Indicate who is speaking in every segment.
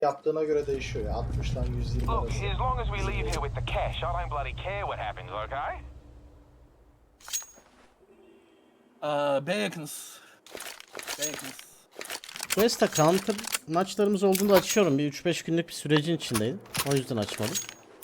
Speaker 1: Yaptığına göre değişiyor ya. 60'dan 120
Speaker 2: Look,
Speaker 1: arası.
Speaker 2: as long as we leave here with the cash, I don't bloody care what happens, okay?
Speaker 3: B yakınız. B yakınız.
Speaker 4: Quest'ta counter maçlarımız olduğunda açıyorum. Bir 3-5 günlük bir sürecin içindeydim. O yüzden açmadım.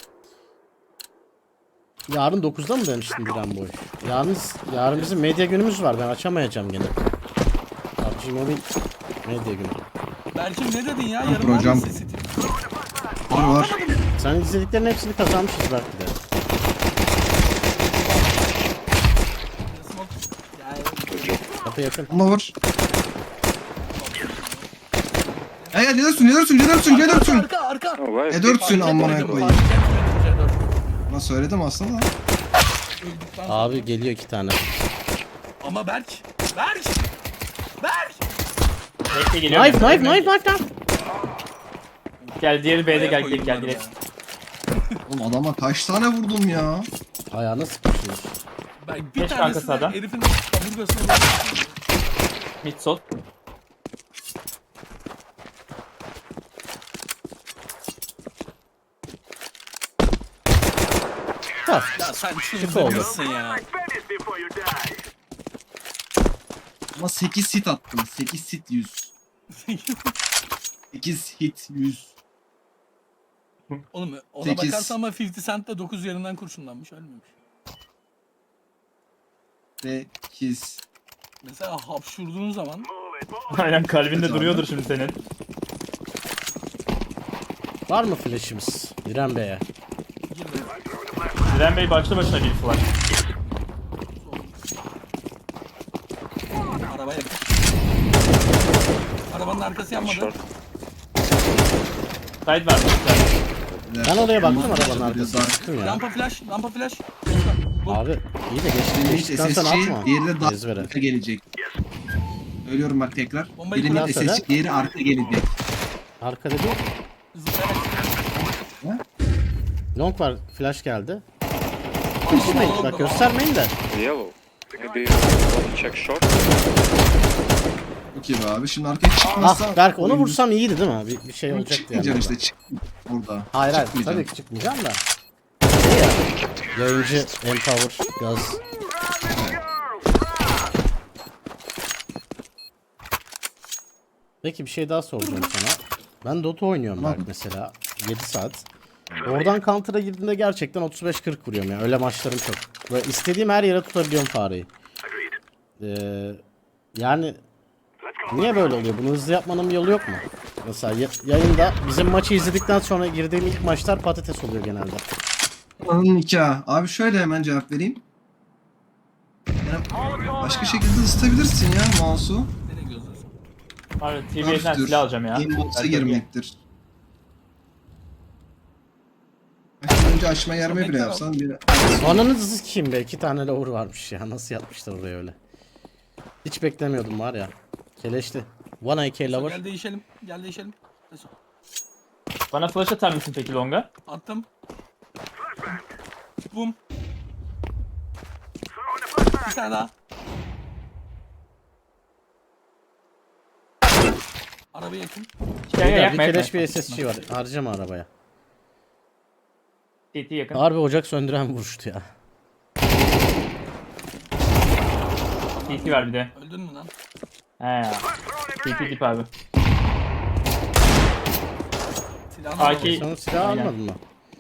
Speaker 4: Yarın 9'da mı demiştin Diren Boy? Yarın bizim medya günümüz var. Ben açamayacağım gene. PUBG Mobile medya günü.
Speaker 3: Berkim ne dedin ya? Yarın var
Speaker 5: hocam.
Speaker 3: mı sesi?
Speaker 5: Var.
Speaker 4: Sen izlediklerin hepsini kazanmışız belki de. Kapı yakın.
Speaker 5: Ama var. Ya ne diyorsun?
Speaker 3: Arka.
Speaker 5: Ne dörtsün amına koyayım. Ama söyledim aslında da.
Speaker 4: Abi geliyor 2 tane.
Speaker 3: Ama Berk.
Speaker 6: Bekle geliyor.
Speaker 4: Knife.
Speaker 6: Gel diğeri B'de gel
Speaker 3: Koyayım
Speaker 6: gel
Speaker 3: ben
Speaker 6: direkt.
Speaker 3: ya.
Speaker 5: Oğlum adama kaç tane vurdum ya.
Speaker 4: Ayağına sıkışıyor.
Speaker 3: Ben bir
Speaker 6: Geç
Speaker 3: tanesini
Speaker 6: arkası adam.
Speaker 3: herifin kaburgasına vurdum.
Speaker 6: Mid sol.
Speaker 4: Ha.
Speaker 3: Ya sen
Speaker 4: oldu.
Speaker 3: çıldırmışsın ya.
Speaker 5: Ama 8 hit attım. 8 hit 100. 8 hit 100.
Speaker 3: Oğlum ona
Speaker 5: 8.
Speaker 3: bakarsan ama 50 Cent de 9 yerinden kurşunlanmış ölmemiş.
Speaker 5: 8.
Speaker 3: Mesela hapşurduğun zaman
Speaker 6: Aynen kalbinde
Speaker 5: Evet abi.
Speaker 6: duruyordur şimdi senin.
Speaker 4: Var mı flash'imiz? Diren Bey'e.
Speaker 3: girme.
Speaker 6: Diren Bey başlı başına bir var.
Speaker 3: Arabaya bak. Arabanın arkası yanmadı.
Speaker 6: Side var mı?
Speaker 4: Ben oraya baktım arabanın arkasına. Baktım ya.
Speaker 3: Lampa flash.
Speaker 4: Abi iyi de
Speaker 5: Birinin
Speaker 4: geçtikten sonra atma.
Speaker 5: SSC, diğeri de
Speaker 4: Ezbere.
Speaker 5: arka gelecek. Söylüyorum bak tekrar.
Speaker 3: Bombayı
Speaker 5: Birinin
Speaker 4: kullan söyle.
Speaker 5: SSC, diğeri arka gelecek.
Speaker 4: Arkada değil.
Speaker 3: Zıplayarak.
Speaker 4: Long var. Flash geldi. Düşmeyin. Bak göstermeyin de.
Speaker 7: Yellow. Maybe you want to check short.
Speaker 5: Okey be abi. Şimdi arkaya çıkmazsa...
Speaker 4: Ah Berk onu
Speaker 5: oyun-
Speaker 4: vursam iyiydi değil mi? Bir şey olacaktı yani.
Speaker 5: Çıkmayacaksın işte. Çık orada.
Speaker 4: Hayır
Speaker 5: Çıkmayacaksın.
Speaker 4: tabii ki çıkmayacağım da. Şey ya, yayıncı, Empower, gaz. Peki bir şey daha soracağım sana. Ben Dota oynuyorum
Speaker 5: Tamam.
Speaker 4: Berk mesela. 7 saat. Oradan counter'a girdiğimde gerçekten 35-40 vuruyorum ya. Öyle maçlarım çok. Böyle istediğim her yere tutabiliyorum fareyi. Yani niye böyle oluyor? Bunu hızlı yapmanın bir yolu yok mu? Mesela yayında bizim maçı izledikten sonra girdiğim ilk maçlar patates oluyor genelde.
Speaker 5: Anın nikahı. Abi şöyle hemen cevap vereyim. Yani başka şekilde ısıtabilirsin ya mouse'u.
Speaker 3: Nereye gözlüyorsun?
Speaker 6: Abi TV'den silah alacağım ya.
Speaker 5: Inbox'a
Speaker 6: Belki
Speaker 5: girmektir. Baştan önce açma yerme bile yapsan bir...
Speaker 4: Ananızı kim be? 2 tane lower varmış ya. Nasıl yapmışlar oraya öyle? Hiç beklemiyordum var ya. Keleşli. 1 AK lower.
Speaker 3: Gel değişelim. Neyse,
Speaker 6: Bana flash atar mısın peki longa?
Speaker 3: attım. Bum. Bir tane daha. Arabaya yakın.
Speaker 6: Gel
Speaker 4: Bir
Speaker 6: yakma
Speaker 4: keleş
Speaker 6: yakma.
Speaker 4: bir SSG var. Harcama arabaya.
Speaker 6: TT yakın.
Speaker 4: Harbi ocak söndüren vuruştu ya.
Speaker 6: TT var bir de.
Speaker 3: Öldün mü lan?
Speaker 6: He ya. TT dip abi.
Speaker 3: Silahını
Speaker 6: AK.
Speaker 3: al.
Speaker 4: Sen o silahı
Speaker 6: Aynen.
Speaker 4: almadın mı?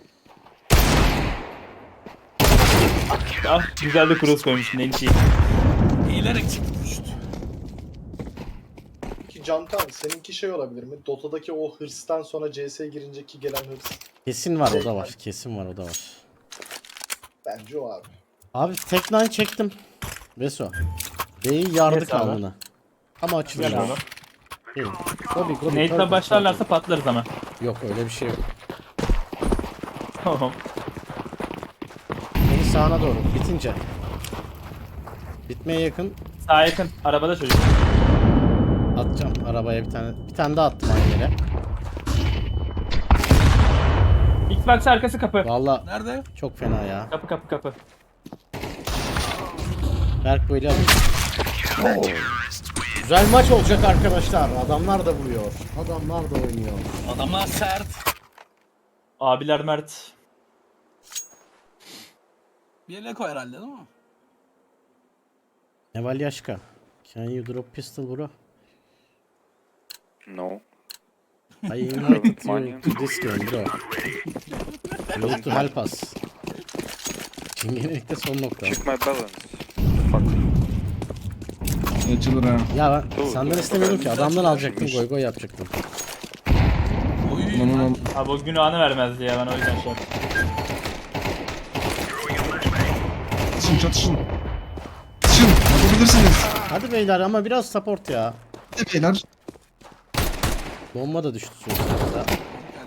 Speaker 6: Ah güzel de cross koymuşsun en iyi.
Speaker 3: Eğilerek çıktı düştü.
Speaker 1: Peki Cankan seninki şey olabilir mi? Dota'daki o hırstan sonra CS'ye girinceki gelen hırs.
Speaker 4: Kesin var o da var. Kesin var o da var.
Speaker 1: Bence o abi.
Speaker 4: Abi tek nine çektim. Veso. B'yi yardık
Speaker 6: Yes abi.
Speaker 4: alnına. Ama açılıyor.
Speaker 6: Gel abi.
Speaker 4: Değil. Gobi.
Speaker 6: Nate'la başlarlarsa patlarız ama.
Speaker 4: Yok öyle bir şey yok.
Speaker 6: Tamam.
Speaker 4: Beni sağına doğru. Bitince. Bitmeye yakın.
Speaker 6: Sağa yakın. Arabada çocuk.
Speaker 4: Atacağım arabaya bir tane. Bir tane daha attım aynı yere.
Speaker 6: Xbox arkası kapı.
Speaker 4: Valla
Speaker 3: Nerede?
Speaker 4: çok fena ya.
Speaker 6: Kapı.
Speaker 4: Berk böyle alır. Güzel maç olacak arkadaşlar. Adamlar da vuruyor. Adamlar da oynuyor.
Speaker 3: Adamlar sert.
Speaker 6: Abiler Mert.
Speaker 3: Bir yere koy herhalde değil mi?
Speaker 4: Neval Yaşka. Can you drop pistol bro?
Speaker 7: No.
Speaker 4: I invited you to this game bro. You need to help us. Çingenelikte son nokta.
Speaker 7: Check my balance. Fuck.
Speaker 5: Açılır ha.
Speaker 4: Ya ben
Speaker 7: Dur,
Speaker 4: senden
Speaker 7: dur.
Speaker 4: istemiyordum ki. Adamdan alacaktım. Goy goy yapacaktım.
Speaker 3: Oy.
Speaker 5: Lan.
Speaker 6: Abi o günahını vermezdi ya, ben o yüzden şey yaptım.
Speaker 5: Çatışın çatışın. Çatışın. Yapabilirsiniz.
Speaker 4: Hadi beyler ama biraz support ya.
Speaker 5: Hadi beyler.
Speaker 4: Bomba da düştü sonuçta.
Speaker 3: Geldi.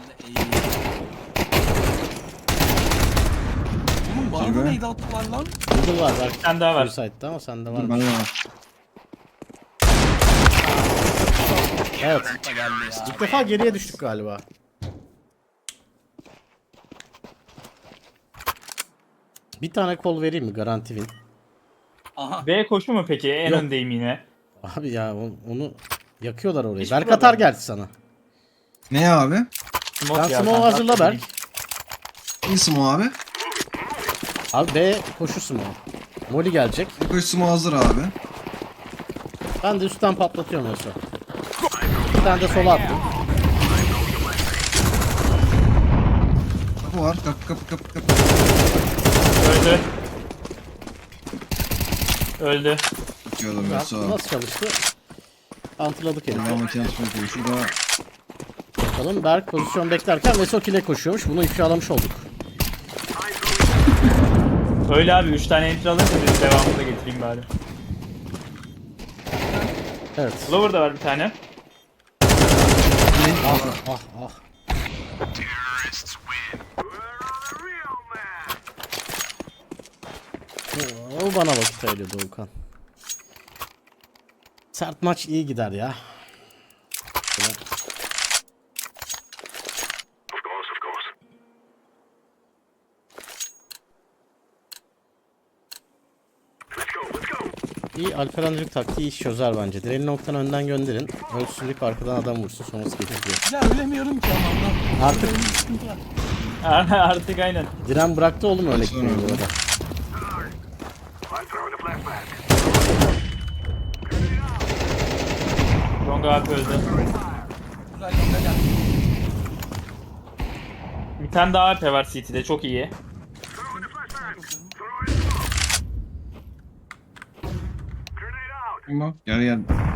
Speaker 3: Oğlum bana da neydi attılar lan?
Speaker 4: Google var belki.
Speaker 6: Bir tane daha var.
Speaker 4: Suicide'da ama sende var.
Speaker 5: Dur bende de var.
Speaker 4: Evet.
Speaker 3: Da geldi ya.
Speaker 4: İlk defa geriye düştük galiba. Bir tane kol vereyim mi? Garanti win.
Speaker 3: Aha.
Speaker 6: B koşu mu peki? En
Speaker 4: Yok.
Speaker 6: öndeyim yine.
Speaker 4: Abi ya onu yakıyorlar orayı.
Speaker 6: Hiç
Speaker 4: Berk
Speaker 6: problem
Speaker 4: atar
Speaker 6: yok.
Speaker 4: geldi sana.
Speaker 5: Ne abi?
Speaker 6: Smoke
Speaker 4: Sen
Speaker 6: ya,
Speaker 4: smoke
Speaker 6: sen
Speaker 4: hazırla
Speaker 6: atla
Speaker 4: Berk.
Speaker 5: İyisin o abi.
Speaker 4: Abi B koşusu mu? Molly gelecek.
Speaker 5: Koşumu hazır abi.
Speaker 4: Ben de üstten patlatıyorum mesela. Bir tane de sola attım.
Speaker 5: Kapı var. Kapı.
Speaker 6: Öldü. Öldü.
Speaker 5: Bakıyordum
Speaker 4: Ya,
Speaker 5: mesela.
Speaker 4: nasıl çalıştı? Antladık herifi.
Speaker 5: Ben makine tutmak şurada.
Speaker 4: Bakalım Berk pozisyon beklerken Veso kile koşuyormuş. Bunu ifşalamış olduk.
Speaker 6: Öyle abi, 3 tane enter alınca biz devamını da getireyim bari.
Speaker 4: Evet.
Speaker 6: Lower da var bir tane.
Speaker 4: Ah. O bana vakit ayırıyor Doğukan. Sert maç iyi gider ya. Şöyle. İyi Alperen Dürük taktiği iş çözer bence. Direğini noktadan önden gönderin. Ölçüsüzlük arkadan adam vursun sonrası gelir diyor.
Speaker 3: Ya ölemiyorum ki adamdan.
Speaker 4: Artık
Speaker 3: Sıkıntı var.
Speaker 6: Artık aynen.
Speaker 4: Diren bıraktı oğlum öyle gitmeyi bu arada.
Speaker 6: Long abi öldü.
Speaker 3: Güzel gel.
Speaker 6: Bir tane daha AP var CT'de, çok iyi.
Speaker 5: Kim o? Gel.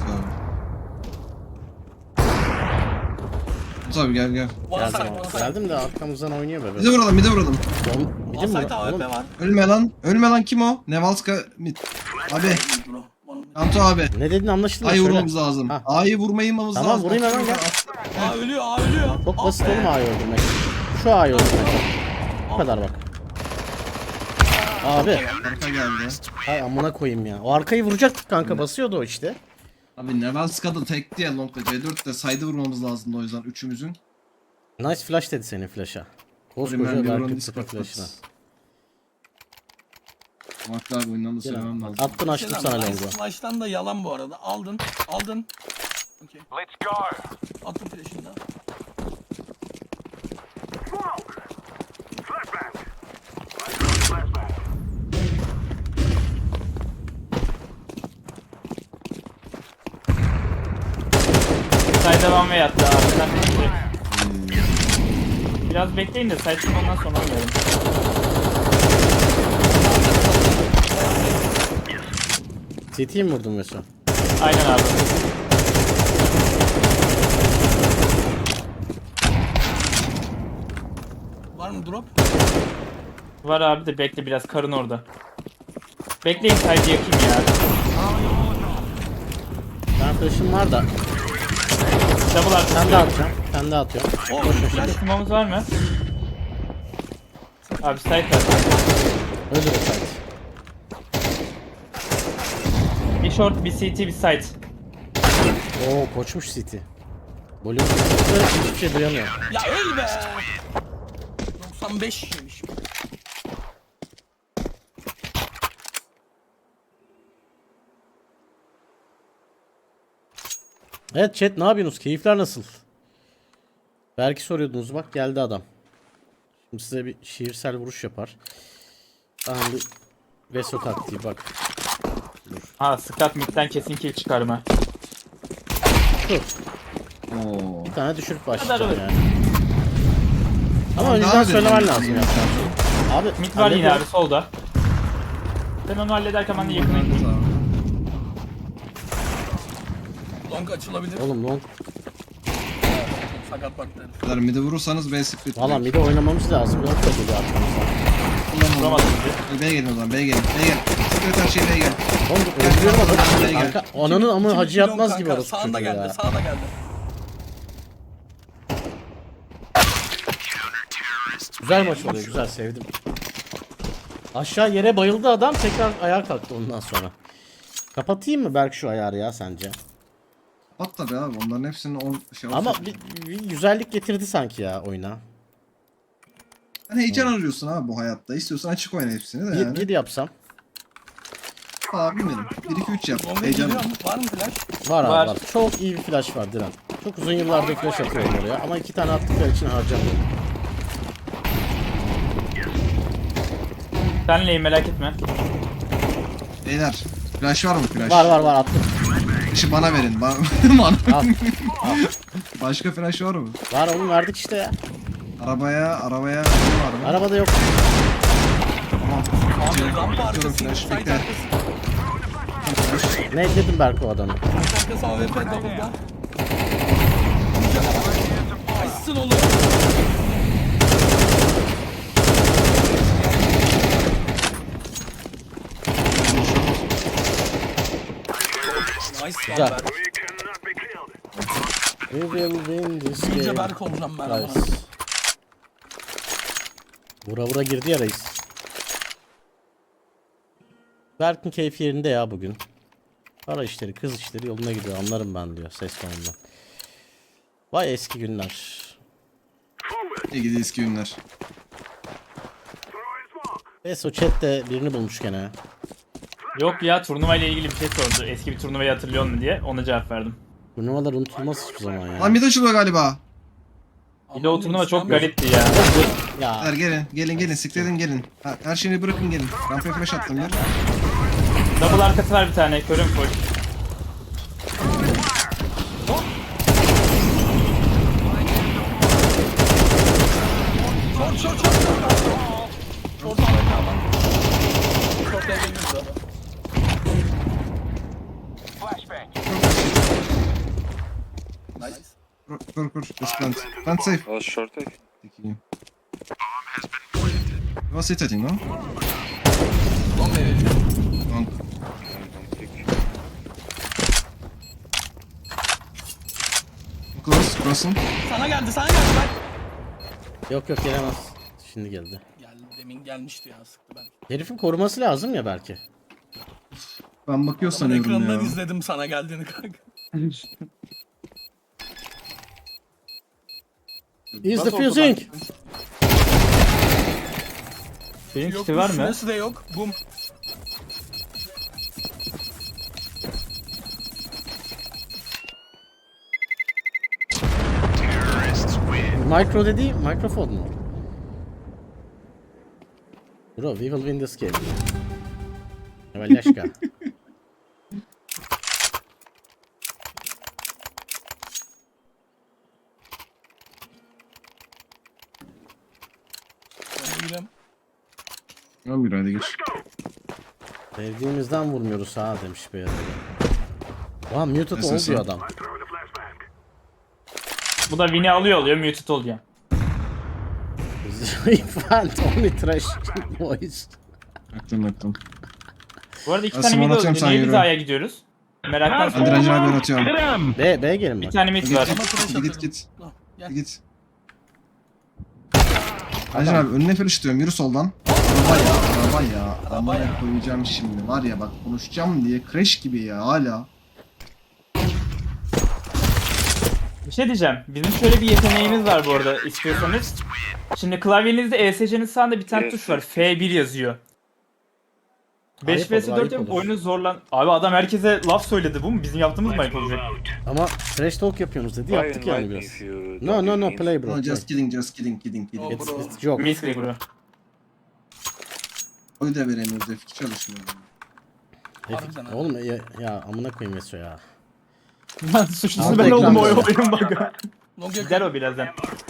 Speaker 5: Tabii gel.
Speaker 4: Geldim,
Speaker 3: Varsay.
Speaker 4: geldim de arkamızdan oynuyor be.
Speaker 5: Bir de vuralım.
Speaker 4: Oğlum, bir de mi?
Speaker 3: Varsay'da
Speaker 4: Oğlum,
Speaker 3: AWP var.
Speaker 5: Ölme lan kim o? Nevalska mid. Abi.
Speaker 3: Bro. Bana-
Speaker 5: Kanto abi.
Speaker 4: ne dedin anlaşıldı mı?
Speaker 5: A'yı
Speaker 4: Söyle.
Speaker 5: vurmamız lazım.
Speaker 4: Ha.
Speaker 5: A'yı vurmamız
Speaker 4: Tamam,
Speaker 5: lazım.
Speaker 4: vurayım hemen, gel.
Speaker 3: Aa ölüyor.
Speaker 4: Çok basit oğlum A'yı öldürmek. Şu A'yı öldürmek. Bu kadar bak. Abi.
Speaker 5: Arka geldi.
Speaker 4: Hay amına koyayım ya. O arkayı vuracaktık kanka, basıyordu o işte.
Speaker 5: Abi Nevalska'da tekti ya Long'da C4'te saydı vurmamız lazımdı o yüzden üçümüzün.
Speaker 4: Nice flash dedi senin flash'a. Koskoca
Speaker 5: Rimel Lebron'un
Speaker 4: Berk'in
Speaker 5: ispat
Speaker 4: flash'ına.
Speaker 5: Vakti abi oyundan da
Speaker 4: Gel
Speaker 5: söylemem
Speaker 4: abi.
Speaker 5: lazım.
Speaker 4: Attın açtım
Speaker 3: Şey
Speaker 4: sana
Speaker 3: lan,
Speaker 4: longu.
Speaker 3: Flash'tan da yalan bu arada. Aldın. Okey.
Speaker 2: Let's go.
Speaker 3: Attım flash'ını da.
Speaker 6: Side devam ve yattı abi. Sen de biraz bekleyin de side ondan sonra oynayalım.
Speaker 4: CT'yi mi vurdun Mesut?
Speaker 6: Aynen abi.
Speaker 3: Var mı drop?
Speaker 6: Var abi de bekle, biraz karın orada. Bekleyin, side yakayım ya.
Speaker 4: Ben flash'ım var da.
Speaker 6: Double artı.
Speaker 4: Sen de atacağım. Sen de atıyorum.
Speaker 3: Oh,
Speaker 6: Smoke'umuz var mı? Abi side var.
Speaker 4: Öldür o site.
Speaker 6: Bir short, bir CT, bir side.
Speaker 4: Oo koçmuş City. Volüm hiçbir şey duyamıyor.
Speaker 3: ya öl be. 95 yemiş.
Speaker 4: Evet chat, ne yapıyorsunuz? Keyifler nasıl? Belki soruyordunuz, bak geldi adam. Şimdi size bir şiirsel vuruş yapar. Daha bir Veso taktiği bak.
Speaker 6: Ha Scott midden kesin kill çıkarma.
Speaker 4: Dur.
Speaker 5: Oo.
Speaker 4: Bir tane düşürüp
Speaker 6: Kadar
Speaker 4: başlayacağım
Speaker 6: öyle.
Speaker 4: yani. Ama önceden
Speaker 5: Daha
Speaker 4: söylemen
Speaker 5: dedim.
Speaker 4: lazım ya. Abi
Speaker 6: Mid var yine
Speaker 4: hallediyorum.
Speaker 6: abi solda. Sen onu hallederken ben de yakına gideyim.
Speaker 3: Long açılabilir.
Speaker 4: Oğlum long.
Speaker 3: Sakat baktı.
Speaker 5: Kadar midi vurursanız B split.
Speaker 4: Valla mide oynamamız lazım. Long da geliyor arkamızdan.
Speaker 6: Vuramadım bizi.
Speaker 5: B'ye gelin o zaman, B'ye gelin. B'ye gelin. Sikret her şey B'ye gelin.
Speaker 4: Oğlum öldürüyorum adamı.
Speaker 5: Gel.
Speaker 4: Arka, ananın ama hacı
Speaker 3: Long
Speaker 4: yapmaz
Speaker 3: kanka,
Speaker 4: gibi orası
Speaker 3: Sağında
Speaker 4: çocuğu
Speaker 3: geldi,
Speaker 4: ya.
Speaker 3: sağda geldi.
Speaker 4: Güzel maç oluyor, güzel, sevdim. Aşağı yere bayıldı adam, tekrar ayağa kalktı ondan sonra. Kapatayım mı Berk şu ayarı ya sence?
Speaker 5: At tabi abi, onların hepsinin 10 şey
Speaker 4: Ama
Speaker 5: olsun.
Speaker 4: bir güzellik getirdi sanki ya oyuna.
Speaker 5: Hani heyecan arıyorsun abi bu hayatta. İstiyorsan açık oyna hepsini de yani.
Speaker 4: Gid yapsam.
Speaker 5: Abi bilmiyorum. 1-2-3 yap.
Speaker 3: Long'a
Speaker 5: Heyecan.
Speaker 3: geliyor mu? Var mı flash?
Speaker 4: Var abi
Speaker 6: Var.
Speaker 4: var. Çok iyi bir flash var Diren. Çok uzun yıllardır flash atıyorum oraya ama 2 tane attıkları için harcamıyorum.
Speaker 6: Senleyim merak etme.
Speaker 5: Beyler. Flash var mı flash?
Speaker 4: Var attım.
Speaker 5: İşi bana verin. Bana.
Speaker 4: Al.
Speaker 5: Başka flash var mı?
Speaker 4: Var oğlum, verdik işte ya.
Speaker 5: Arabaya var mı?
Speaker 4: Arabada yok.
Speaker 5: Tamam.
Speaker 3: Abi rampa
Speaker 5: Atıyorum
Speaker 3: arkası,
Speaker 5: flash.
Speaker 3: site
Speaker 5: Bekle.
Speaker 3: arkası.
Speaker 4: Ne dedim Berk o adamı?
Speaker 3: Site arkası AWP double'da. Açsın oğlum. Nice
Speaker 4: Güzel.
Speaker 3: lan Berk.
Speaker 4: We will win this
Speaker 3: İyice
Speaker 4: game.
Speaker 3: Berk olacağım ben ama.
Speaker 4: Nice. Vura girdi ya reis. Berk'in keyfi yerinde ya bugün. Para işleri, kız işleri yoluna gidiyor, anlarım ben diyor ses tonundan. Vay eski günler.
Speaker 5: İyi gidi eski günler.
Speaker 4: Neyse o chat de birini bulmuş gene.
Speaker 6: Yok ya turnuva ile ilgili bir şey sordu. Eski bir turnuvayı hatırlıyor musun diye ona cevap verdim.
Speaker 4: Turnuvalar unutulmaz hiçbir zaman ya.
Speaker 5: Lan mid açılıyor galiba.
Speaker 6: Bir de o turnuva çok
Speaker 3: İslam yok.
Speaker 6: garipti ya.
Speaker 5: Her
Speaker 4: Ya
Speaker 5: gelin siktirin gelin. Her şeyini bırakın gelin. Rampaya flash attım bir.
Speaker 6: Double arkası var bir tane. Körüm full.
Speaker 3: Short. Short AWP adam. Short evleniriz abi.
Speaker 2: Flashbang.
Speaker 3: Nice.
Speaker 5: Kur. Just plant. Plant safe.
Speaker 7: Was short, eh?
Speaker 5: Peki. You was it I think, no?
Speaker 3: Long evleniriz.
Speaker 5: Long. Cross'un.
Speaker 3: Sana geldi Berk.
Speaker 4: yok gelemez. Şimdi geldi.
Speaker 3: Geldi, demin gelmişti ya, sıktı ben.
Speaker 4: Herifin koruması lazım ya belki.
Speaker 5: Ben bakıyor
Speaker 3: Ben
Speaker 5: sanıyorum
Speaker 3: ekrandan
Speaker 5: ya.
Speaker 3: izledim sana geldiğini kanka.
Speaker 4: Is the
Speaker 5: Nasıl
Speaker 4: fusing?
Speaker 6: Senin
Speaker 3: Yok,
Speaker 6: kiti var mı?
Speaker 3: Süresi de yok. Bum.
Speaker 4: Micro dediği mikrofon mu? Bro, we will win this game. Evalyashka.
Speaker 3: Ben de gireyim.
Speaker 5: 11 hadi geç.
Speaker 4: Sevdiğimizden vurmuyoruz ha demiş bir yere. Ulan muted
Speaker 5: Nasıl
Speaker 4: oldu
Speaker 5: sen?
Speaker 4: adam.
Speaker 6: Bu da win'i alıyor muted oluyor.
Speaker 4: Infant only trash noise.
Speaker 5: Aklım.
Speaker 6: Bu arada iki
Speaker 5: Ben
Speaker 6: tane mid
Speaker 5: small atıyorum,
Speaker 6: öldü.
Speaker 5: sen
Speaker 6: Niye biz
Speaker 5: yürü.
Speaker 6: A'ya gidiyoruz? Meraktan
Speaker 5: Hadi
Speaker 6: sonra.
Speaker 5: Rancı abi atıyorum.
Speaker 4: B gelin
Speaker 6: Bir
Speaker 4: bak.
Speaker 6: tane mid var.
Speaker 3: Ama flash
Speaker 5: Git
Speaker 3: atarım.
Speaker 5: git.
Speaker 3: Ah, gel.
Speaker 5: Git. Rancı abi önüne flash atıyorum. Yürü soldan. Araba ya. Arabaya koyacağım şimdi. Var ya bak konuşacağım diye crash gibi ya hala.
Speaker 6: Bir şey diyeceğim. Bizim şöyle bir yeteneğimiz var bu arada istiyorsanız. Şimdi klavyenizde ESC'nin sağında bir tane
Speaker 7: Evet.
Speaker 6: tuş var. F1 yazıyor. 5
Speaker 4: Ayıp
Speaker 6: vs
Speaker 4: olur,
Speaker 6: 4
Speaker 4: ayıp
Speaker 6: yapıp
Speaker 4: olur.
Speaker 6: oyunu zorlan... Abi adam herkese laf söyledi, bu mu? Bizim yaptığımız mı ayıp olacak?
Speaker 4: Ama trash talk yapıyorsunuz dedi.
Speaker 7: Why
Speaker 4: Yaptık yani
Speaker 7: invite me
Speaker 4: biraz.
Speaker 7: if you
Speaker 4: No
Speaker 7: don't
Speaker 4: no
Speaker 7: give
Speaker 4: no
Speaker 7: me
Speaker 4: play bro.
Speaker 5: No,
Speaker 4: play.
Speaker 5: just kidding, just kidding, kidding, kidding.
Speaker 3: Oh, bro.
Speaker 4: It's joke.
Speaker 6: Misli bro.
Speaker 5: Oyu da veremiyoruz, F2 çalışmıyor.
Speaker 3: Harbiden ha.
Speaker 4: Oğlum ya amına koyayım Veso ya.
Speaker 6: Lan suçlusu
Speaker 4: Aldı
Speaker 6: ben oldum o
Speaker 4: ekranda.
Speaker 6: oyun bak.
Speaker 3: Long
Speaker 6: Gider o birazdan.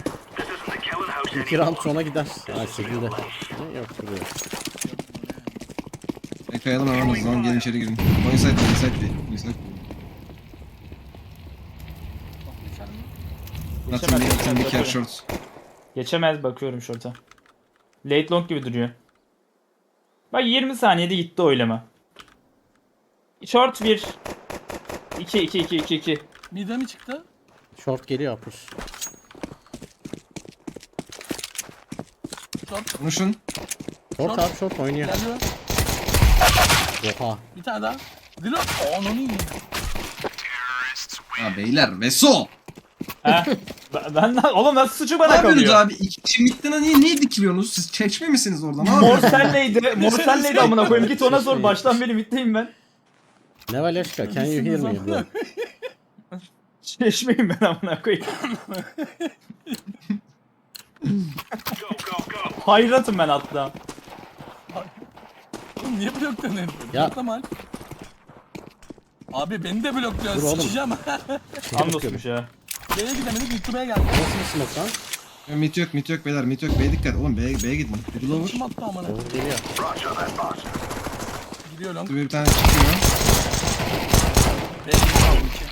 Speaker 4: 2 round sonra gider. Ha 8'de. Yok duruyor.
Speaker 5: Kayalım hemen o zaman, gelin içeri girin. Oyun site, oyun site değil. Oyun site değil. Nothing, nothing, be care short.
Speaker 6: Geçemez, bakıyorum short'a. Late long gibi duruyor. Bak 20 saniyede gitti oylama. Short 1. 2.
Speaker 3: Mid'e mi çıktı?
Speaker 4: Short geliyor upper.
Speaker 3: Short.
Speaker 5: Konuşun.
Speaker 4: Short abi short oynuyor.
Speaker 3: Geliyor.
Speaker 4: Oha.
Speaker 3: Bir tane daha. Dilo. Onu iyi.
Speaker 5: Ya beyler, Veso!
Speaker 6: Ha? Ben oğlum nasıl suçu bana
Speaker 5: Ne yapıyorsunuz
Speaker 6: kalıyor?
Speaker 5: abi? İki kişi midden niye dikiliyorsunuz? Siz çeşme misiniz orada? Ne
Speaker 6: Mor
Speaker 5: yapıyorsunuz?
Speaker 6: senleydi. Mor senleydi amına koyayım. Git ona sor. Baştan beri middeyim ben.
Speaker 4: Ne Valeshka, can you hear me bro?
Speaker 6: Çeşmeyim ben amına koyayım. Hayratım ben hatta.
Speaker 3: Oğlum niye blokladın herifi?
Speaker 4: Ya.
Speaker 3: Bloklama Alp. Abi beni de blokluyorsun.
Speaker 4: Dur oğlum.
Speaker 3: Sıçacağım.
Speaker 6: Andosmuş ya.
Speaker 3: B'ye gidemedik. YouTube'a geldik.
Speaker 4: Nasıl bir smoke lan?
Speaker 5: Ya, Mit yok beyler, mit yok. B'ye dikkat. Oğlum B'ye gidin. Bir lower.
Speaker 3: Kim attı amına?
Speaker 4: Doğru geliyor.
Speaker 3: Gidiyor long.
Speaker 5: Bir tane çıkıyor.
Speaker 3: B'ye gidiyor aldım ki.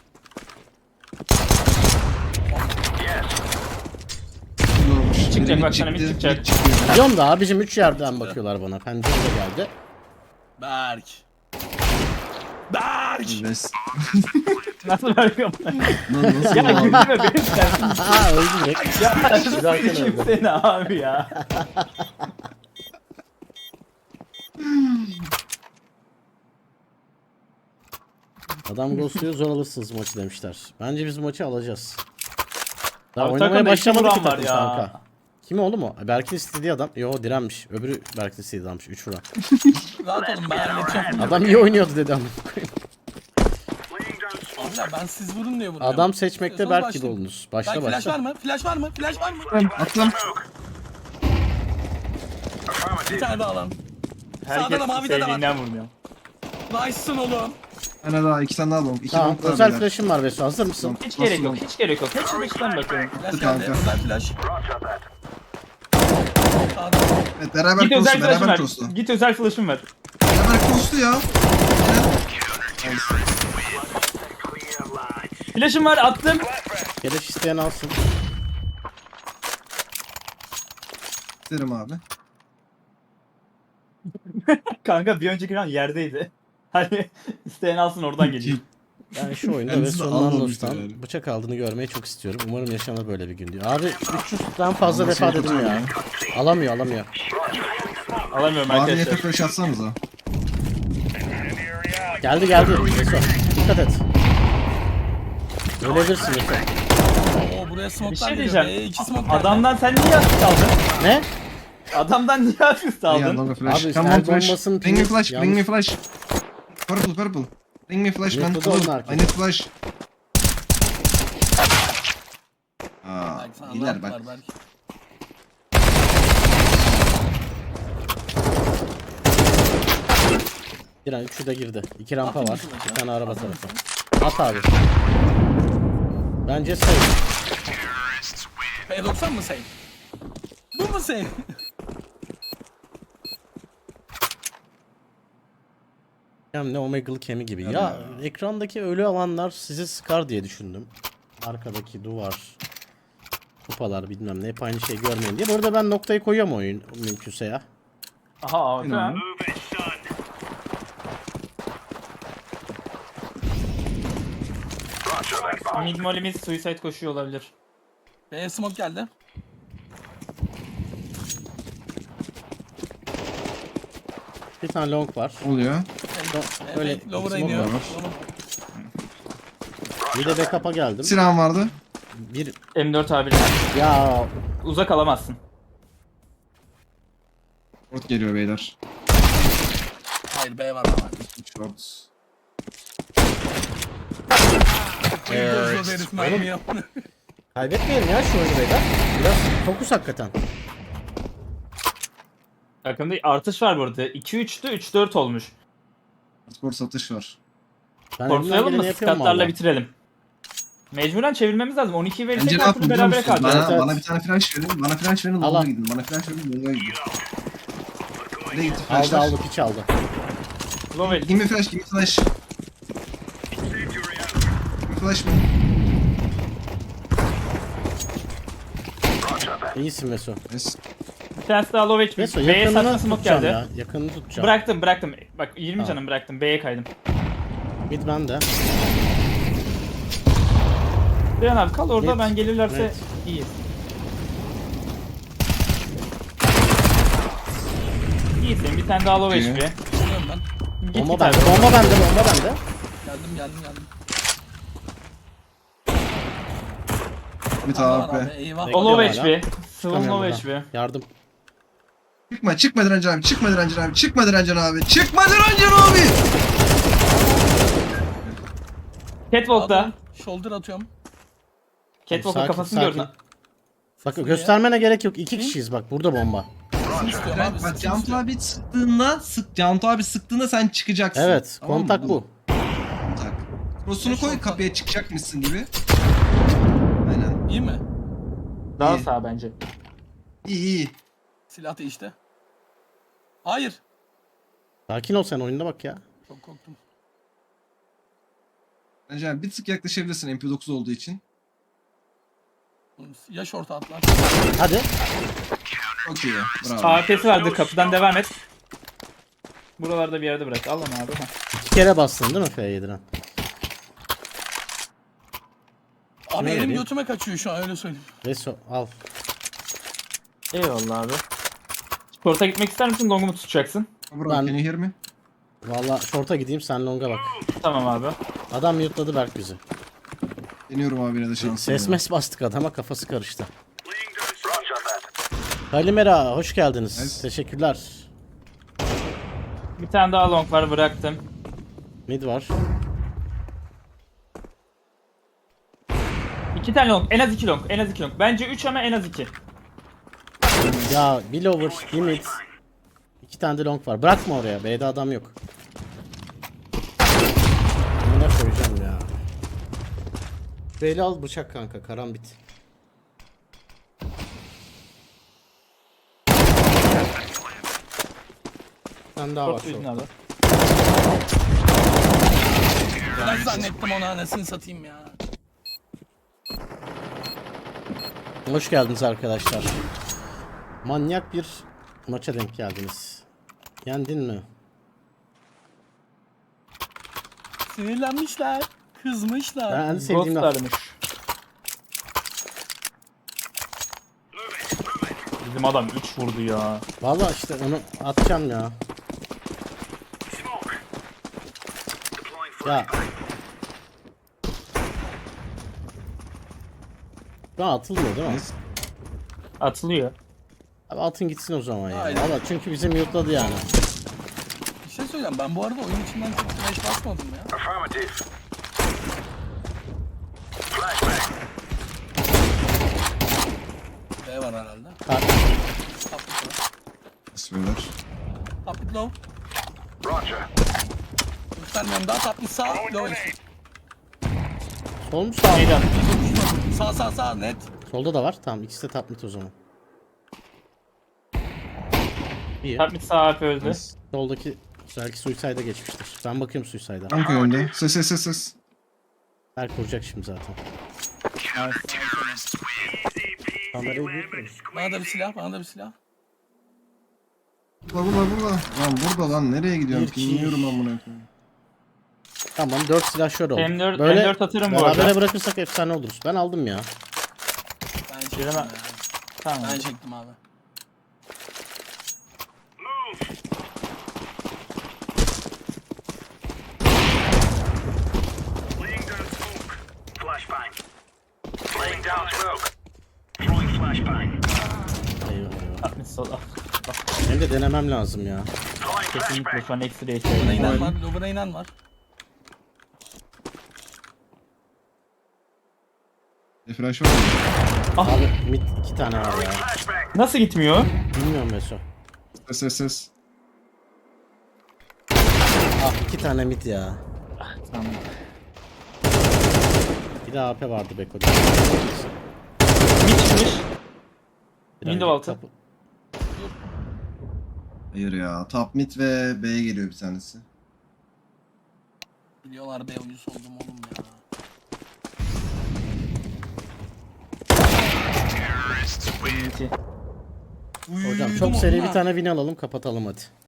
Speaker 5: Bir lower.
Speaker 6: Çıkacak,
Speaker 5: Biri
Speaker 6: bak sana mid
Speaker 5: çıktı,
Speaker 6: çıkacak.
Speaker 5: mid çıkıyor.
Speaker 4: Biliyorum da abicim 3 yerden bakıyorlar bana. Pencere de geldi.
Speaker 3: Berk. Berk.
Speaker 5: Ves.
Speaker 6: Nasıl bakıyorum?
Speaker 5: Nasıl
Speaker 6: Ya
Speaker 5: abi?
Speaker 6: gülme benim sensin.
Speaker 4: Aa öldü direkt.
Speaker 6: Ya
Speaker 4: Güzel
Speaker 6: sikeyim
Speaker 4: öldü.
Speaker 6: seni abi ya.
Speaker 4: Adam ghostluyor zor alırsınız maçı demişler. Bence biz maçı alacağız. Daha
Speaker 6: Abi
Speaker 4: oynamaya
Speaker 6: takımda iki
Speaker 4: başlamadı ki
Speaker 6: vuran var
Speaker 4: takım
Speaker 6: ya.
Speaker 4: kanka. Kim oğlum o? Berk'in istediği adam. Yo direnmiş. Öbürü Berk'in istediği adammış. 3 vuran.
Speaker 3: Rahat olun ben halledeceğim.
Speaker 4: Adam iyi oynuyordu dedi ama.
Speaker 3: Abi ya ben siz vurun diye vuruyorum.
Speaker 4: Adam seçmekte
Speaker 3: Sonra
Speaker 4: Berk gibi
Speaker 3: başlayayım.
Speaker 4: oldunuz. Başla
Speaker 3: Berk flash var
Speaker 4: başla.
Speaker 3: mı? Flash var mı? Flash var mı?
Speaker 5: Aklım.
Speaker 3: Bir tane daha lan.
Speaker 6: Herkes
Speaker 3: da mavi de var.
Speaker 6: sevdiğinden vurmuyor.
Speaker 3: Nice'sın oğlum.
Speaker 5: Bir tane daha, 2 tane daha long. 2
Speaker 4: Tamam
Speaker 5: long daha
Speaker 4: özel
Speaker 5: beyler.
Speaker 4: flash'ım var Vesu. Hazır mısın?
Speaker 6: Hiç gerek yok, hiç gerek yok. Hepsi dıştan bakıyorum.
Speaker 3: Flash
Speaker 5: Kanka.
Speaker 3: geldi. Özel flash. Sağda.
Speaker 5: Evet, beraber
Speaker 6: Git özel
Speaker 5: cross'lu,
Speaker 6: flash'ım
Speaker 5: beraber
Speaker 6: ver.
Speaker 5: cross'lu.
Speaker 6: Git özel flash'ım ver.
Speaker 5: Beraber cross'lu ya.
Speaker 6: Flash'ım var, attım.
Speaker 4: Keleş isteyen alsın.
Speaker 5: İsterim abi.
Speaker 6: Kanka bir önceki round yerdeydi. Hani isteyen alsın oradan geliyor.
Speaker 4: Yani şu oyunda
Speaker 5: Kendisi de
Speaker 4: Vesu'nun
Speaker 5: almamış
Speaker 4: Andos'tan
Speaker 5: yani.
Speaker 4: bıçak aldığını görmeyi çok istiyorum. Umarım yaşanır böyle bir gün diyor. Abi 300'den fazla
Speaker 5: Alması
Speaker 4: defa
Speaker 5: çok
Speaker 4: dedim ya. Alamıyor.
Speaker 6: Alamıyorum
Speaker 5: Abi
Speaker 6: arkadaşlar.
Speaker 5: yeter flash atsanıza.
Speaker 4: Geldi. Vesu. Dikkat et. Ölebilirsin Vesu.
Speaker 3: Oo buraya
Speaker 6: Bir
Speaker 3: smoke'lar
Speaker 6: şey
Speaker 3: geliyor.
Speaker 6: diyeceğim.
Speaker 3: İki smoke geldi.
Speaker 6: Adamdan sen niye asist aldın?
Speaker 4: Ne?
Speaker 6: Adamdan niye asist
Speaker 5: Yeah,
Speaker 6: aldın?
Speaker 5: long flash.
Speaker 4: Abi,
Speaker 5: Come on
Speaker 4: el
Speaker 5: flash.
Speaker 4: bombasının
Speaker 5: Bring me
Speaker 4: pili
Speaker 5: flash, bring me
Speaker 4: yanlış.
Speaker 5: flash. Purple. Bring me flash man.
Speaker 4: Yapıldı onun
Speaker 5: Hello,
Speaker 4: arkası.
Speaker 5: I need flash. Aa,
Speaker 3: Berk sana
Speaker 5: iyiler
Speaker 3: ne
Speaker 5: bak.
Speaker 3: yaptılar Berk?
Speaker 4: Giren 3'ü de girdi. 2 rampa
Speaker 3: Atın
Speaker 4: var.
Speaker 3: bir flash
Speaker 4: Bir
Speaker 3: ya.
Speaker 4: tane araba
Speaker 3: Atın
Speaker 4: tarafı.
Speaker 3: bir
Speaker 4: At abi. Bence save.
Speaker 3: P90 mı save? Bu mu save?
Speaker 4: Hem ne Omegalı kemi gibi. Ya ekrandaki ölü alanlar sizi sıkar diye düşündüm. Arkadaki duvar, kupalar bilmem ne hep aynı şeyi görmeyin diye. Bu arada ben noktayı koyuyorum oyun mümkünse ya.
Speaker 6: Aha abi.
Speaker 5: İnan.
Speaker 6: Mid molimiz suicide koşuyor olabilir.
Speaker 3: B smoke geldi.
Speaker 4: Bir tane long var.
Speaker 5: Oluyor.
Speaker 4: Öyle
Speaker 3: Lower'a
Speaker 4: smoke
Speaker 3: iniyor.
Speaker 5: var.
Speaker 4: Bir de backup'a geldim.
Speaker 5: Silahım vardı.
Speaker 4: Bir
Speaker 6: M4 abi.
Speaker 4: ya
Speaker 6: Uzak alamazsın.
Speaker 5: Port geliyor beyler.
Speaker 3: Hayır B var ama.
Speaker 5: Short.
Speaker 3: Göz herif mermi yap.
Speaker 4: Kaybetmeyelim ya şu oyunu beyler. Biraz fokus hakikaten.
Speaker 6: Takımda artış var burada. 2-3'tü 3-4 olmuş.
Speaker 5: Skor satış var.
Speaker 4: Ben elimden
Speaker 6: Korkmayalım
Speaker 4: geleni
Speaker 6: mı?
Speaker 4: yapıyorum
Speaker 6: Skatlarla
Speaker 4: valla.
Speaker 6: bitirelim. Mecburen çevirmemiz lazım. 12'yi verirsek
Speaker 5: Bence ne
Speaker 6: her
Speaker 5: yapın
Speaker 6: türlü
Speaker 5: biliyor
Speaker 6: berabere
Speaker 5: musun?
Speaker 6: kalacağız.
Speaker 5: Bana,
Speaker 4: Evet.
Speaker 5: bana bir tane flash verin. Bana flash verin.
Speaker 4: Allah.
Speaker 5: Long'a gidin. Bana flash verin. Long'a gidin. Nereye gitti
Speaker 4: Aldı
Speaker 5: flashlar?
Speaker 4: aldı piç aldı.
Speaker 6: Lovel.
Speaker 5: Give me flash. Give me flash. Give me flash mı?
Speaker 4: İyisin Veso.
Speaker 5: Yes.
Speaker 6: Bir tanesi daha low HP.
Speaker 4: Veso
Speaker 6: B'ye
Speaker 4: yakınını
Speaker 6: saçma smoke
Speaker 4: tutacağım
Speaker 6: geldi.
Speaker 4: ya. Yakınını tutacağım.
Speaker 6: Bıraktım. Bak 20
Speaker 4: Tamam.
Speaker 6: canım bıraktım. B'ye kaydım.
Speaker 4: Mid bende.
Speaker 6: Dayan abi kal orada,
Speaker 4: Net.
Speaker 6: ben gelirlerse
Speaker 4: Net.
Speaker 6: iyi. İyisin, bir tane daha low
Speaker 5: İyi.
Speaker 6: HP.
Speaker 3: Geliyorum ben.
Speaker 6: Git
Speaker 4: Bomba
Speaker 6: git
Speaker 4: bende.
Speaker 6: abi.
Speaker 4: Bomba bende. Bomba bende.
Speaker 3: Geldim.
Speaker 5: Bir
Speaker 3: Var
Speaker 5: tane
Speaker 3: abi
Speaker 5: AP.
Speaker 3: eyvah.
Speaker 6: O low
Speaker 4: Bekliyorum
Speaker 6: HP. Sıvın
Speaker 4: Çıkamıyorum
Speaker 6: low
Speaker 4: buradan.
Speaker 6: HP.
Speaker 4: Yardım.
Speaker 5: Çıkma Direncan abi. Çıkma Direncan abi. Çıkma Direncan abi. Çıkma Direncan abi.
Speaker 6: Catwalk'ta.
Speaker 3: Adam, shoulder atıyorum.
Speaker 6: Catwalk'ta
Speaker 4: Sakin,
Speaker 6: kafasını
Speaker 4: sakin.
Speaker 6: gördün.
Speaker 4: Bak göstermene gerek yok. 2 kişiyiz bak. Burada bomba.
Speaker 3: Sesini istiyorum abi.
Speaker 5: Bak
Speaker 3: Sesini
Speaker 5: Cantu
Speaker 3: istiyorum.
Speaker 5: abi Cantu abi sıktığında sen çıkacaksın.
Speaker 4: Evet.
Speaker 5: Tamam mı?
Speaker 4: Kontak bu.
Speaker 5: Kontak. Cross'unu koy kapıya çıkacakmışsın gibi. Aynen.
Speaker 3: İyi mi?
Speaker 6: Daha
Speaker 5: İyi.
Speaker 6: sağ bence.
Speaker 5: İyi.
Speaker 3: Silah değişti. Hayır.
Speaker 4: Sakin ol sen oyunda bak ya.
Speaker 3: Çok korktum.
Speaker 5: Bence abi bir tık yaklaşabilirsin MP9 olduğu için.
Speaker 3: Ya short atlar.
Speaker 4: Hadi.
Speaker 5: Çok iyi. Bravo.
Speaker 6: AP'si vardı, kapıdan devam et. Buralarda bir yerde bırak. Al onu abi. Heh.
Speaker 4: 2 kere bastın değil mi F7'den?
Speaker 3: Abi
Speaker 4: Kime
Speaker 3: elim
Speaker 4: vereyim?
Speaker 3: götüme kaçıyor şu an öyle söyleyeyim.
Speaker 4: Veso al.
Speaker 6: Eyvallah abi. Sport'a gitmek ister misin? Long'u mu tutacaksın?
Speaker 5: Bro,
Speaker 4: Ben-
Speaker 5: can you hear me?
Speaker 4: Valla short'a gideyim sen long'a bak.
Speaker 6: Tamam abi.
Speaker 4: Adam mute'ladı Berk bizi.
Speaker 5: Deniyorum abi yine de şansım.
Speaker 4: Ses
Speaker 5: ya.
Speaker 4: mes bastık adama kafası karıştı. Kalimera hoş geldiniz.
Speaker 5: Evet.
Speaker 4: Teşekkürler.
Speaker 6: Bir tane daha long var, bıraktım.
Speaker 4: Mid var.
Speaker 6: 2 tane long. En az 2 long. En az 2 long. Bence 3 ama en az 2.
Speaker 4: Ya bir lower, bir mid. 2 tane de long var. Bırakma oraya. B'de adam yok. Buna koyacağım ya. B'li al bıçak kanka. Karambit. Sen daha var
Speaker 6: Sport yüzünü
Speaker 4: short.
Speaker 6: abi.
Speaker 3: Ben zannettim onu anasını satayım ya.
Speaker 4: Hoş geldiniz arkadaşlar. Manyak bir maça denk geldiniz. Yendin mi?
Speaker 3: Sinirlenmişler. Kızmışlar.
Speaker 4: Ben en sevdiğim
Speaker 6: Ghost
Speaker 4: laf.
Speaker 6: aramış. Bizim adam 3 vurdu ya.
Speaker 4: Valla işte onu atacağım ya. Ya. Daha atılmıyor değil mi?
Speaker 6: Atılıyor.
Speaker 4: Abi atın gitsin o zaman ya.
Speaker 3: Aynen.
Speaker 4: Valla çünkü bizi mute'ladı yani.
Speaker 3: Bir şey söyleyeceğim. Ben bu arada oyun içinden çok flash basmadım ya.
Speaker 2: Affirmative.
Speaker 3: B var herhalde.
Speaker 4: Ha,
Speaker 3: Top mid var.
Speaker 5: Bismillah.
Speaker 3: Top mid low.
Speaker 2: Roger.
Speaker 3: Göstermiyorum daha top mid sağ. Low HP.
Speaker 4: sol mu sağ mı?
Speaker 6: Meydan.
Speaker 3: Sağ net.
Speaker 4: Solda da var. Tamam ikisi de top mid o zaman. İyi.
Speaker 6: Top mid sağ AP öldü.
Speaker 4: Soldaki belki suicide'a geçmiştir. Ben bakıyorum suicide'a.
Speaker 5: Tank önünde. Ses.
Speaker 4: Her kuracak şimdi zaten. Kamerayı büyük mü?
Speaker 3: Bana da bir silah.
Speaker 5: Burada. Lan burada lan nereye gidiyorsun?
Speaker 4: Bir, iki.
Speaker 5: Bilmiyorum amına koyayım.
Speaker 4: Tamam 4 silah şöyle oldu.
Speaker 6: M4
Speaker 4: Böyle
Speaker 6: M4 atarım bu
Speaker 4: berabere
Speaker 6: arada.
Speaker 4: bırakırsak efsane oluruz. Ben aldım ya.
Speaker 3: Ben çektim
Speaker 6: Birine-
Speaker 3: ya.
Speaker 6: Tamam.
Speaker 3: Ben çektim abi.
Speaker 2: Laying down smoke. Flashbang. Laying down smoke. Throwing flashbang.
Speaker 4: Eyvah eyvah.
Speaker 6: Top mid sol.
Speaker 4: Benim de denemem lazım ya.
Speaker 2: Throwing
Speaker 6: Kesinlikle şu an ekstra
Speaker 3: Lower'a
Speaker 6: ihtiyacım
Speaker 3: inen
Speaker 6: var.
Speaker 3: var. Lower'a inen var.
Speaker 5: Flash var mı?
Speaker 4: Abi mid 2 tane var ya.
Speaker 6: Nasıl gitmiyor?
Speaker 4: Bilmiyorum Meso.
Speaker 5: Ses.
Speaker 4: Ah 2 tane mid ya.
Speaker 6: Tamam.
Speaker 4: Bir de AP vardı Beko'da.
Speaker 6: Mid çıkmış. Window altı.
Speaker 5: Hayır ya. Top mid ve B'ye geliyor bir tanesi.
Speaker 3: Biliyorlar be oyuncusu oldum oğlum ya.
Speaker 6: İki.
Speaker 4: Hocam çok seri bir tane win alalım kapatalım hadi.